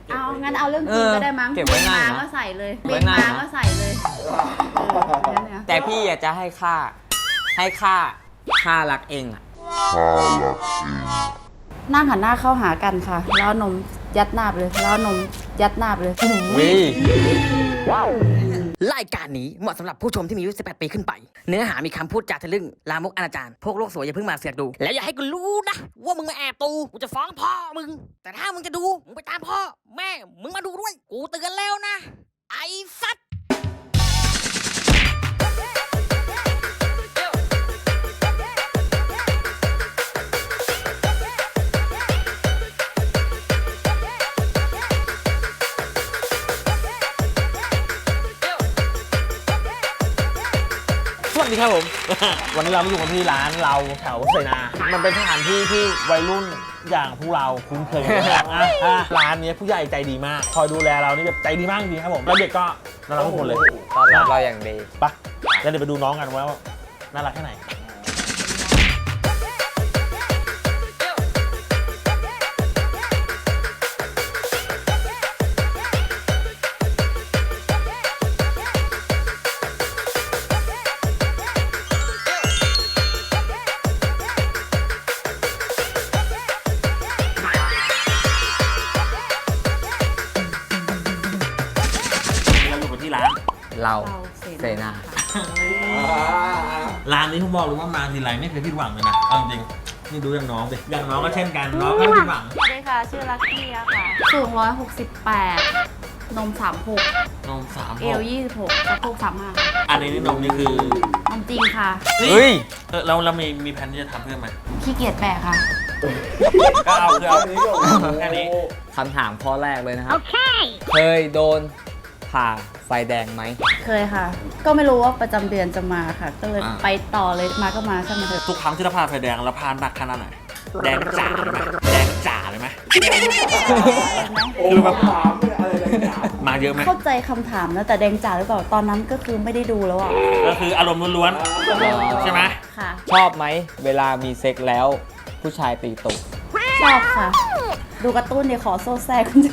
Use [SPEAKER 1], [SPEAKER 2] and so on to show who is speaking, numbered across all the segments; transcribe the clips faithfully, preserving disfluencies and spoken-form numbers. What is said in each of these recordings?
[SPEAKER 1] เอางั้นเอาเรื่องจริงก็ได้มั้ง
[SPEAKER 2] เก็บไว้ง่าย
[SPEAKER 1] มา
[SPEAKER 2] นะ
[SPEAKER 1] ก็ใส่เลย
[SPEAKER 2] ไว้
[SPEAKER 1] บิน
[SPEAKER 2] ง่าย
[SPEAKER 1] มา
[SPEAKER 2] นะ
[SPEAKER 1] ก็ใส่เลยเอองั้นเนี่ย
[SPEAKER 2] แต่พี่อยากจะให้ค่า ให้ค่า ค่ารักเองอะ
[SPEAKER 1] นั่งหันหน้าเข้าหากันค่ะ แล้วเอานมยัดหน้าไปเลย แล้วเอานมยัดหน้าไปเลย
[SPEAKER 2] วิ
[SPEAKER 3] รายการนี้เหมาะสำหรับผู้ชมที่มีอายุสิบแปดปีขึ้นไป เนื้อหามีคำพูดจาทะลึ่งลามกอนาจารพวกโลกสวยอย่าเพิ่งมาเสือกดู แล้วอย่าให้กูรู้นะ ว่ามึงมาแอบดูกูจะฟ้องพ่อมึง แต่ถ้ามึงจะดู มึงไปตามพ่อ แม่ มึงมาดูด้วย กูเตือนแล้วนะ ไอ้สัตว์
[SPEAKER 4] สวัสดีครับผม วันนี้เรามาอยู่กันที่ร้านเราแถวเสนา มันเป็นสถานที่ที่วัยรุ่นอย่างพวกเราคุ้นเคยกันมากอ่ะอ่ะร้านนี้ผู้ใหญ่ใจดีมาก คอยดูแลเรานี่แบบใจดีมากจริงๆครับผม แล้วเด็กก็น่ารักทุกคนเลย
[SPEAKER 2] ตอนรับเราอย่างดี
[SPEAKER 4] ไปะแล้วเดี๋ยวไปดูน้องกันว่าน่ารักแค่ไหน เราอยู่กันที่ร้าน
[SPEAKER 2] เรา
[SPEAKER 1] เราเส
[SPEAKER 2] เสนา
[SPEAKER 4] ร้านนี้ผมบอกเลยว่ามาทีไรไม่เคยผิดหวังเลยนะเอาจริงๆนี่ดูอย่างน้องสิอย่างน้องก็เช่นกัน น้องก็ไม่ผิดหวัง
[SPEAKER 1] สวัสดีค่ะ ชื่อลักกี้อะค่ะ สูงร้อยหกสิบแปด นมสามหก
[SPEAKER 4] นมสาม
[SPEAKER 1] เอ
[SPEAKER 4] ห
[SPEAKER 1] ล
[SPEAKER 4] ก
[SPEAKER 1] ยี่สิบหกสะโพกสามห้า
[SPEAKER 4] อันนี้นี่นมนี่คือน
[SPEAKER 1] มจริงค่ะ
[SPEAKER 2] เฮ้ย
[SPEAKER 4] เออเราเรามีมีแผนที่จะทำเพิ่มไหม
[SPEAKER 1] ขี้เกียจแบกค่ะ
[SPEAKER 4] ก็เอาคือเอาแค่นี้
[SPEAKER 2] คำถามข้อแรกเลยนะครับ เคยโดนผ่าไฟแดงไหม
[SPEAKER 1] เคยค่ะ ก็ไม่รู้ว่าประจำเดือนจะมาค่ะ ก็เลย
[SPEAKER 4] อ่า
[SPEAKER 1] ไปต่อเลยมาก็มาช่างมันเถอะ
[SPEAKER 4] ทุกครั้งที่เราพาไฟแดงเราพาหนักขนาดไหนแดงจ๋าเลยไหมแดงจ๋าเลยไหมคือแบบมาเยอะไหม
[SPEAKER 1] เข้าใจคำถามนะแต่แดงจ๋าหรือเปล่าตอนนั้นก็คือไม่ได้ดูแล้วอ่ะ
[SPEAKER 4] ก็คืออารมณ์ล้วนๆใช่ไหม
[SPEAKER 1] ค่ะ
[SPEAKER 2] ชอบไหม เวลามีเซ็กแล้ว ผู้ชายตีตุก
[SPEAKER 1] ชอบค่ะ ดูการ์ตูนเดี๋ยวขอโซ่แทรกคุณเจ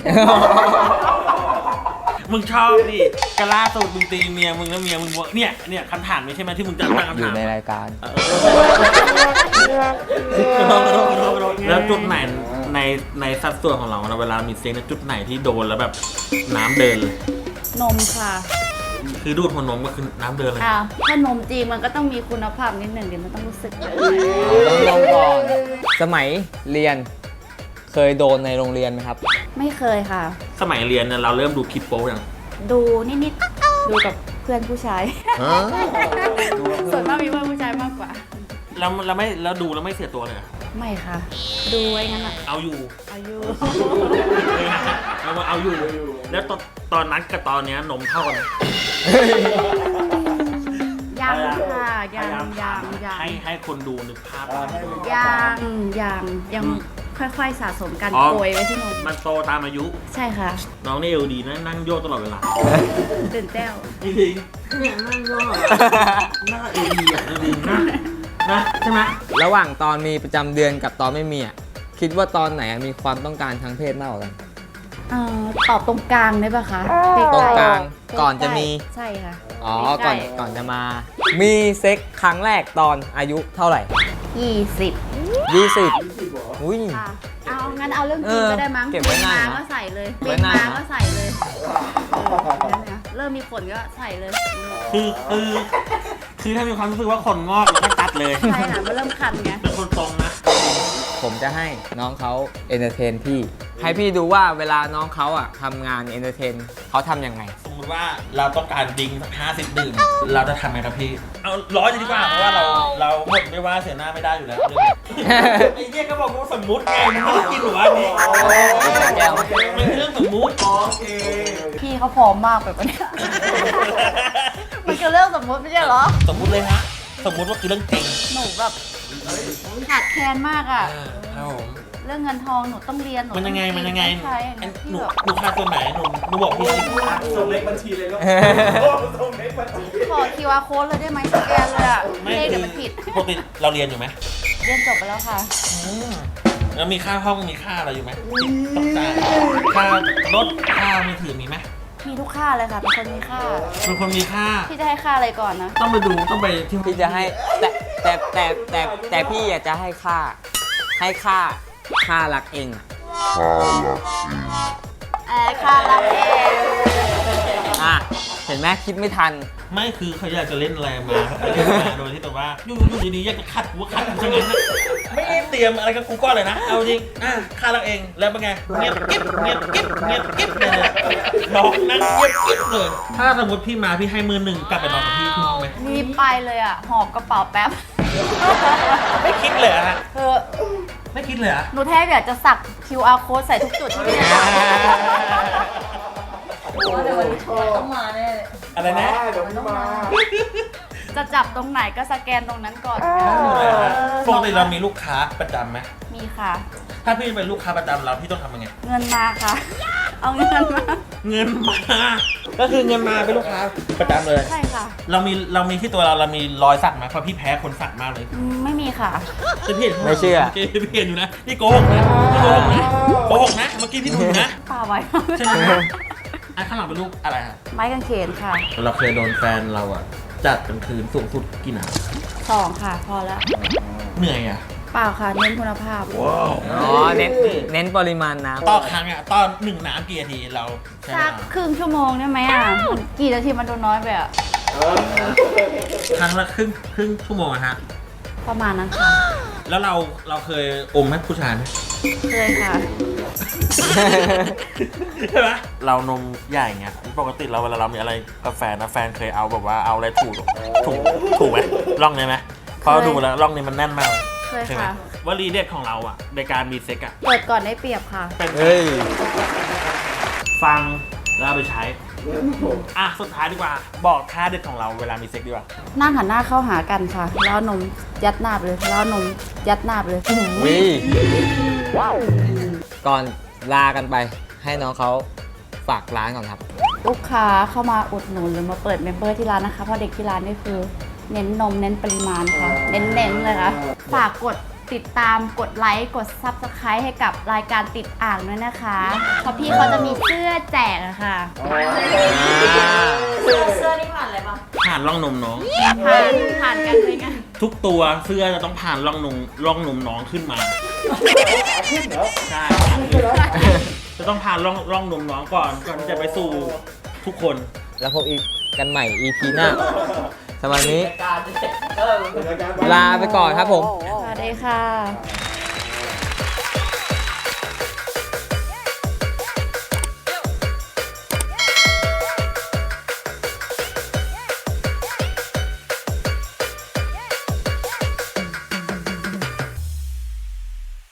[SPEAKER 4] มึงชอบดิกะล่าสุดมึงตีเมียมึงแล้วเมียมึงบอกเนี่ยเนี่ยคำถามนี้ใช่ไหมที่มึงจะตั้งคำ
[SPEAKER 2] อยู่
[SPEAKER 4] ถาม
[SPEAKER 2] ในรายการ
[SPEAKER 4] แล้วจุดไหนในในสัดส่วนของเราเวลามีเซ็กเนี่ยจุดไหนที่โดนแล้วแบบน้ำเดินเลย
[SPEAKER 1] นมค่ะ
[SPEAKER 4] คือดูดหัวนมก็คือน้ำเดินเลย
[SPEAKER 1] อ้าวถ้านมจริงมันก็ต้องมีคุณภาพนิดหนึ่งเดี๋ยวมันต้องรู้สึกเลย
[SPEAKER 2] ต้องลองก่อน สมัยเรียน เคยโดนในโรงเรียนไหมครับ
[SPEAKER 1] ไม่เคยค่ะ
[SPEAKER 4] สมัยเรียนเนี่ยเราเริ่มดูคลิปโป๊อย่าง
[SPEAKER 1] ดูนิดๆ ดูกับเพื่อนผู้ชาย ส่วนมากมีเพื่อนผู้ชายมากกว่า
[SPEAKER 4] แล้วเราไม่แล้วดูแล้วไม่เสียตัวเลยเหรอ
[SPEAKER 1] ไม่ค่ะ ดูไว้งั้นอะ
[SPEAKER 4] เอาอยู่
[SPEAKER 1] อายุ
[SPEAKER 4] เอามาเอาอยู่ แล้วตอนตอนนั้นกับตอนเนี้ยนมเท่ากันไหม
[SPEAKER 1] ยังค่ะยังยังยัง
[SPEAKER 4] ให้ให้คนดูนึกภาพ
[SPEAKER 1] ยังยังยังค่อยๆสะสมกัน
[SPEAKER 4] อ๋อ
[SPEAKER 1] โกยไว้ที่นม
[SPEAKER 4] มันโตตามอายุ
[SPEAKER 1] ใช่ค่ะ
[SPEAKER 4] น้องนี่เอวดีนะนั่งโยกตลอดเวลา
[SPEAKER 1] ตื่นเต้น
[SPEAKER 4] จริงๆเนี่ยนั่งโยกหน้าเอวดีอ่ะจริงๆนะนะใช่ไหม
[SPEAKER 2] ระหว่างตอนมีประจำเดือนกับตอนไม่มีอ่ะ คิดว่าตอนไหนมีความต้องการทางเพศมากกว่ากัน
[SPEAKER 1] เอ่อตอบตรงกลางได้ปะคะใ
[SPEAKER 2] ตรงกลาง
[SPEAKER 1] ใๆ
[SPEAKER 2] ก่อนจะมี
[SPEAKER 1] ใช่ค่ะ
[SPEAKER 2] อ๋อ
[SPEAKER 1] ใกล้
[SPEAKER 2] ก่อน ก่อนจะมา มีเซ็กครั้งแรกตอนอายุเท่าไหร่
[SPEAKER 1] ยี่สิบ
[SPEAKER 2] ยี่สิบอุ้ย
[SPEAKER 1] ค่ะ เอางั้นเอาเรื่องจ
[SPEAKER 2] เอ
[SPEAKER 1] ริง
[SPEAKER 2] อ
[SPEAKER 1] ก็ได้มั้ง
[SPEAKER 2] เก็บไว้ง่ายนะ
[SPEAKER 1] บิมาก็ใส่เลย
[SPEAKER 2] ไว้
[SPEAKER 1] บิน
[SPEAKER 2] ง่าย
[SPEAKER 1] มา
[SPEAKER 2] นะ
[SPEAKER 1] ก็ใส่เลยเอองั้นเนี่ยเริ่มมีขนก็ใส่เลย
[SPEAKER 4] คือคือคือถ้ามีความรู้สึกว่าขนงอกเราก็ตัดเลย
[SPEAKER 1] ใช่ค่ะมันเริ่มคันไง
[SPEAKER 4] เป็นคนตรงนะ
[SPEAKER 2] ผมจะให้น้องเขาเอนเตอร์เทนพี่ ให้พี่ดูว่าเวลาน้องเขาอ่ะทำงานเอนเตอร์เทนเขาทำยังไง
[SPEAKER 4] สมมติว่าเราต้องการดิ้งสักห้าสิบดื่มเราจะทำไงครับพี่ เอาร้อยจะดีกว่าเพราะว่าเราเราหมดไม่ว่าเสียหน้าไม่ได้อยู่แล้วเรื่องนี้ไอ้เหี้ยก็บอกว่าสมมุติไงมันไม่ได้กินหรอวะอันนี้มันคือเรื่องสมมุติ
[SPEAKER 1] พี่เขาพร้อมมากแบบนี้ มันคือเรื่องสมมติไม่ใช่เหรอ
[SPEAKER 4] สมมุติเลยฮะสมมุติว่าคือเรื่องจริง
[SPEAKER 1] หนูแบบขาดแคลนมากอ่ะ
[SPEAKER 4] ครับผม
[SPEAKER 1] เรื่องเงินทองหนูต้องเรียนหนู
[SPEAKER 4] มันยังไงมันยังไง
[SPEAKER 1] ใช่
[SPEAKER 4] อันห
[SPEAKER 1] พี่
[SPEAKER 4] นู
[SPEAKER 1] แบบ
[SPEAKER 4] หนูขาดตัวไหนหนูหนูบอกพี่สิ
[SPEAKER 5] ส่งเลขบัญชีเลยลูกส่งเลขบัญชี
[SPEAKER 1] ขอ คิว อาร์ code เลยได้ไหมสแกนเลยอ่ะเลขเดี๋ยวมันผิด
[SPEAKER 4] ปกติเราเรียนอยู่ไหม
[SPEAKER 1] เรียนจบไปแล้วค่ะ
[SPEAKER 4] อืมแล้วมีค่าห้องมีค่าอะไรอยู่ไหมต้องจ่ายค่ารถค่ามือถือมีไหม
[SPEAKER 1] มีทุกค่าเลยค่ะเป็นคนมีค่า
[SPEAKER 4] เป็นคนมีค่า
[SPEAKER 1] พี่จะให้ค่าอะไรก่อนนะ
[SPEAKER 4] ต้องไปดูต้องไปที่
[SPEAKER 2] พี่จะให้แต่แต่แต่แต่แต่พี่อยากจะให้ค่า ให้ค่าค่ารักเองอะ
[SPEAKER 1] เออค่ารับเอง
[SPEAKER 2] อ่ะเห็นไหมคิดไม่ทัน
[SPEAKER 4] ไม่คือเขาอยากจะเล่นอะไรมาเล่นมาโดยที่แต่ว่าอยู่อยู่ดีๆอยากจะคัดหัวคัดกูซะงั้นนะไม่ได้เตรียมอะไรกับกูก่อนเลยนะเอาจริงอ่ะค่ารักเองแล้วเป็นไงเงียบกิ๊บเงียบกิ๊บเงียบกิ๊บเลยน้องนั่งเงียบกิ๊บเลยถ้าสมมติพี่มาพี่ให้มือหนึ่งกลับไปนอนกับพี่พี่ห้องไหม
[SPEAKER 1] รีบไปเลยอ่ะ หอบกระเป๋าแป๊บ
[SPEAKER 4] ไม่คิดเลยอะฮะ
[SPEAKER 1] เออ
[SPEAKER 4] ไม่คิดเลยอะ
[SPEAKER 1] หนูแทบอยากจะสัก คิว อาร์ code ใส่ทุกจุดที่พี่จะว่าแต่วันนี้ต้องมาแน่เลย
[SPEAKER 4] อะไรนะ
[SPEAKER 5] เดี๋ยวพี่มา
[SPEAKER 1] จะจับตรงไหนก็สแกนตรงนั้นก่อน
[SPEAKER 4] ปกติเรามีลูกค้าประจำไหม
[SPEAKER 1] มีค่ะ
[SPEAKER 4] ถ้าพี่เป็นลูกค้าประจำเราพี่ต้องทำยังไง
[SPEAKER 1] เงินมาค่ะ เอาเงินมา
[SPEAKER 4] เงินมา ก็คือเงินมาเป็นลูกค้าประจำเลย
[SPEAKER 1] ใช่ค่ะ
[SPEAKER 4] เรามีเรามีที่ตัวเราเรามีรอยสักไหมเพราะพี่แพ้คนสักมากเลย
[SPEAKER 1] อืมไม่มีค่ะ
[SPEAKER 4] จะพี่เห็น
[SPEAKER 2] ไม่เชื่อ
[SPEAKER 4] พี่เห็นอยู่นะนี่โกหกนะนี่โกหกนะโกหกนะเมื่อกี้พี่ดูอยู่นะ
[SPEAKER 1] ป่าไว้
[SPEAKER 4] ใช่ไหมอันข้างหลังเป็นรูปอะไรฮะ
[SPEAKER 1] ไม้กางเขนค่ะ
[SPEAKER 4] เราเคยโดนแฟนเราอ่ะจัดกลางคืนสูงสุดกี่หนาว
[SPEAKER 1] สองค่ะ พอแล้ว
[SPEAKER 4] เหนื่อยอ่ะ
[SPEAKER 1] เปล่าค่ะ เน้นคุณภาพ
[SPEAKER 2] อ๋อเน้นเน้นปริมาณน้ำ
[SPEAKER 4] ต่อครั้งอ่ะตอนหนึ่งน้ำกี่นาทีเราใช้เว
[SPEAKER 1] สั
[SPEAKER 4] ลาก
[SPEAKER 1] ครึ่งชั่วโมงได้ไหมอ่ะมันกี่นาทีมันดูน้อยไปอ่ะ
[SPEAKER 4] ครั้งละครึ่งครึ่งชั่วโมงอะฮะ
[SPEAKER 1] ประมาณนั้นค่ะ
[SPEAKER 4] แล้วเราเราเคยอมให้ผู้ชายไหม
[SPEAKER 1] เคยค่ะ
[SPEAKER 4] ใช่ไหมเรานมใหญ่เงี้ยปกติเราเวลาเรามีอะไรกับแฟนนะแฟนเคยเอาแบบว่าเอาอะไรถูกถูกถูกไหมร่องนี้ไหมเพราะดูแล้วร่องนี้มันแน่นมาก
[SPEAKER 1] เคย
[SPEAKER 4] ใช่ไหม
[SPEAKER 1] ค่ะ
[SPEAKER 4] วลีเด็ดของเราอ่ะในการมีเซ็กอ่ะ
[SPEAKER 1] เปิดก่อนได้เปรียบค่ะ
[SPEAKER 4] เป็น
[SPEAKER 2] เฮ้ย
[SPEAKER 4] ฟังแล้วเอาไปใช้อ่ะสุดท้ายดีกว่า บอกท่าเด็ดของเราเวลามีเซ็กดีกว่า
[SPEAKER 1] นั่งหันหน้าเข้าหากันค่ะ แล้วเอานมยัดหน้าไปเลย แล้วเอานมยัดหน้าไปเลย
[SPEAKER 2] วิก่อนลากันไปให้น้องเขาฝากร้านก่อนครับ
[SPEAKER 1] ลูกค้าเข้ามาอุดหนุนหรือมาเปิดเมมเบอร์ที่ร้านนะคะ เพราะเด็กที่ร้านนี่คือ เน้นนมเน้นปริมาณค่ะ เน้นๆเลยค่ะ ฝากกดติดตามกดไลค์กด ซับสไครบ์ ให้กับรายการติดอ่างด้วยนะคะ เพราะพี่เขาจะมีเสื้อแจกอะค่ะ เสื้อเสื้อนี่ผ่านอะไรบ้าง
[SPEAKER 4] ผ่านร่องนมน้อง
[SPEAKER 1] ผ่านผ่านกันเลยกัน
[SPEAKER 4] ทุกตัวเสื้อจะต้องผ่านร่องนมร่องนมน้องขึ้นมา
[SPEAKER 5] ขึ้นเหรอ
[SPEAKER 4] ใช่จะต้องผ่านร่องร่องนมน้องก่อนก่อนที่จะไปสู่ทุกคน
[SPEAKER 2] แล้วพบอีกกันใหม่ อี พี หน้าสำหรับวันนี้
[SPEAKER 5] รายการ
[SPEAKER 2] ลาไปก่อนครับผม
[SPEAKER 1] สวัสดีค่ะ